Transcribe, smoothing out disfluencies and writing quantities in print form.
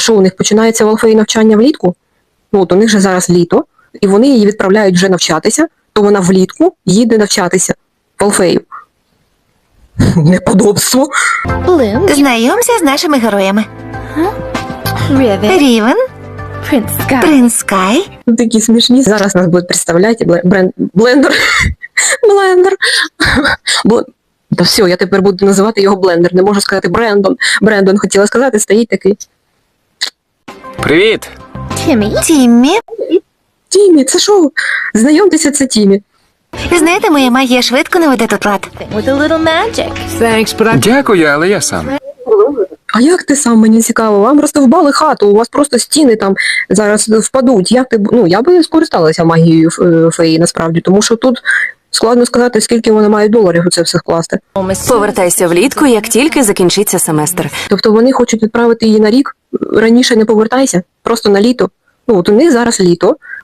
що у них починається в Алфеї навчання влітку? Ну, от у них же зараз літо, і вони її відправляють вже навчатися, то вона влітку їде навчатися в Алфею. Неподобство. Bloom, Знайомся з нашими героями. Riven, Рівен, Prince Sky. Принц Скай. Такі смішні. Зараз нас будуть представляти Блендер. Та все, я тепер буду називати його Блендер. Не можу сказати Брендон. Брендон хотіла сказати, стоїть такий. Привіт! Timmy, Тіммі. Тімі, це що? Знайомтеся, це Тімі. Знаєте, моя магія швидко наведе тут лад. with a little magic. Дякую, але я сам. А як ти сам, мені цікаво? Вам роздовбали хату, у вас просто стіни там зараз впадуть. Як ти, ну, я би скористалася магією феї, насправді, тому що тут складно сказати, скільки вона має доларів у це все вкласти. Повертайся влітку, як тільки закінчиться семестр. Тобто вони хочуть відправити її на рік, раніше не повертайся, просто на літо. Ну, от у них зараз літо,